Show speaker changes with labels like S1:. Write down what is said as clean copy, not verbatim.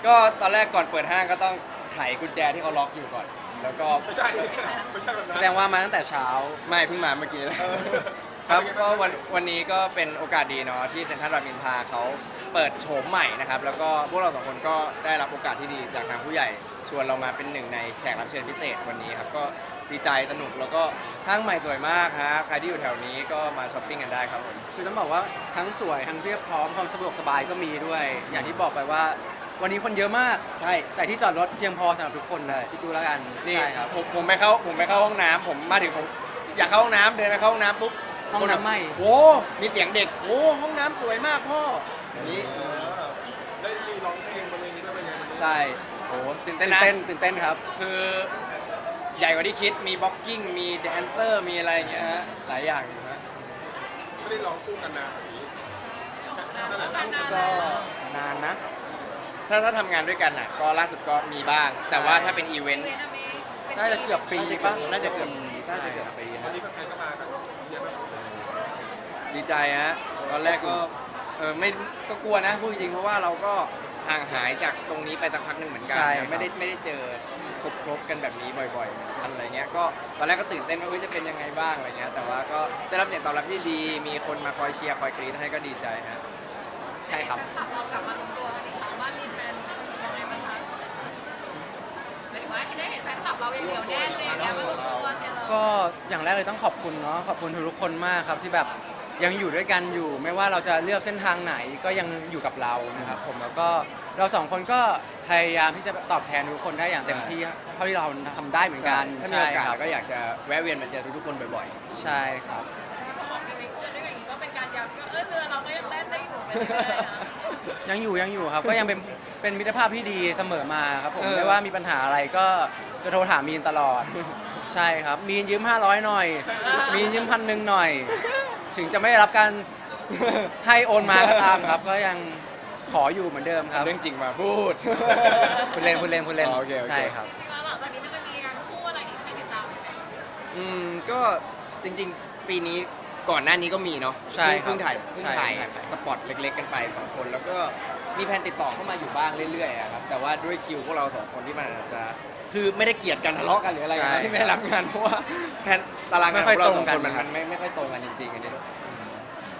S1: ก็ตอนแรกก่อนเปิดห้างก็ต้องไขกุญแจที่เขาล็อกอยู่ก่อน แล้วก็
S2: ไม่ใช่ไม่ใช่แบบนั้น
S3: แสดงว่ามาตั้งแต่เช้า
S1: ไม่เพิ่งมาเมื่อกี้เลย
S2: เออ
S1: ครับก็วันนี้ก็เป็นโอกาสดีเนาะที่เซ็นทรัลรามอินทราเขาเปิดโฉมใหม่นะครับแล้วก็พวกเราสองคนก็ได้รับโอกาสที่ดีจากทางผู้ใหญ่ชวนเรามาเป็นหนึ่งในแขกรับเชิญพิเศษวันนี้ครับก็ดีใจสนุกแล้วก็ห้างใหม่สวยมากฮะใครที่อยู่แถวนี้ก็มาช้อปปิ้งกันได้ครับผม
S3: คือต้องบอกว่าทั้งสวยทั้งเรียบพร้อมความสะดวกสบายก็มีด้วย อย่างที่บอกไปว่า วันนี้คนเยอะมาก
S1: ใช่
S3: แต่ที่จอดรถเพียงพอสำหรับทุกคนเลยคิดดูแล้วกัน
S1: นี่
S3: ใช่ครับ
S1: ผมไปเข้าห้องน้ำผมมาถึงผมอยากเข้าห้องน้ำเดินไปเข้าห้องน้ำปุ๊บ
S3: ห้องน้ำไหม้
S1: โอ้มีเสียงเด็กโอ้ห้องน้ำสวยมากพ่ออย่างนี้
S2: เออได้มีร้องเพลงบนเวทีด้วยเป็นไงมัน
S1: ใช่โอ้ตื่นเต้
S3: ตื่
S1: น
S3: น
S1: นะ
S3: เต้นตื่นเต้นครับ
S1: คือใหญ่กว่าที่คิดมีบ็อกกิ้งมีแดนเซอร์มีอะไรอย่างเงี้ยฮะหลายอย่างอยู่ฮะ
S2: ไม่ได้ร้องคู่กันนานแบบนี้ขนาดนั้น
S3: ก็นานนะ
S1: ถ้าทำงานด้วยกันน่ะก็ล่าสุดก็มีบ้าง แต่ว่าถ้าเป็นอีเวนต์
S3: น่าจะเกือบปี
S1: น่าจะเกือบ
S3: ใช่
S1: น่าจะเกือบปี
S2: วัน
S1: ฮะ
S2: นี้แฟนๆก็มากันเยอะมาก
S1: ดีใจฮะตอนแรกก็ไม่ก็กลัวนะพูดจริงๆเพราะว่าเราก็ห่างหายจากตรงนี้ไปสักพักหนึ่งเหมือนกัน
S3: ใช่
S1: นะไม่ได้เจอครบกันแบบนี้บ่อยๆเหมือนกันอะไรเงี้ยก็ตอนแรกก็ตื่นเต้นว่าจะเป็นยังไงบ้างอะไรเงี้ยแต่ว่าก็ได้รับเสียงตอบรับที่ดีมีคนมาคอยเชียร์คอยกรี๊ดให้ก็ดีใจฮะ
S3: ใช่ครับ
S4: เรากลับมาลงตัวกันอีกครั้งว่ามีแฟนยังไงบ้างคะหมายถึงว่าได้เห็นแฟนคลับเราอย่างเดียวแน่เลยเนี่ยมาลงตัวเนี่ยเรา
S3: ก็อย่างแรกเลยต้องขอบคุณเนาะขอบคุณทุกคนมากครับที่แบบยังอยู่ด้วยกันอยู่ ไม่ว่าเราจะเลือกเส้นทางไหนก็ยังอยู่กับเรานะครับผมแล้วก็เราสองคนก็พยายามที่จะตอบแทนทุกคนได้อย่างเต็มที่เท่าที่เราทำได้เหมือนกัน
S1: ถ้ามีโอกาส
S3: ใช่ครับ
S1: เราก็อยากจะแวะเวียนมาเจอทุกๆคนบ่อย
S3: ใช่ครับ
S4: บอกในเพื่อนด้วยกันอย่างนี้ก็เป็นการย้ำว่าเรือเราก็ยังเล่นได้อยู่ไปเรื่อยๆนะ
S3: ยังอยู่ครับ ก็ยังเป็นมิตรภาพที่ดีเสมอมาครับผม
S1: เออ
S3: ไม่ว่ามีปัญหาอะไรก็จะโทรถามมีนตลอด ใช่ครับ มีนยืม500หน่อย มีนยืม1,000หน่อย ถึงจะไม่ได้รับการให้โอนมาก็ตามครับ ก็ยังขออยู่เหมือนเดิมครับ
S1: เรื่องจริงมาพูด
S3: พูดเล่นพูดเล่นพูดเล่น
S1: อ๋อโอเคโอเค
S3: ใช่ครับ
S4: ที่ว่าหลังจากนี้มันจะมีงานคู่อะไรอีกให้ติดตามไหม
S1: ก็จริงๆ ปีนี้ก่อนหน้านี้ก็มีเนาะ
S3: ใช่ครับ
S1: เพิ่งถ่าย
S3: ใช่
S1: สปอตเล็กๆกันไปสองคน แล้วก็มีแผนติดต่อเข้ามาอยู่บ้างเรื่อยๆอะครับแต่ว่าด้วยคิวพวกเราสองคนที่มันอาจจะคือไม่ได้เกลียดกันทะเลาะกันหรืออะไรกันนะที่ไม่ได้รับงานเพราะว่าแผนตารางงานของเราสองคนมันไม่ค่อยตรงกันจริงๆอันนี้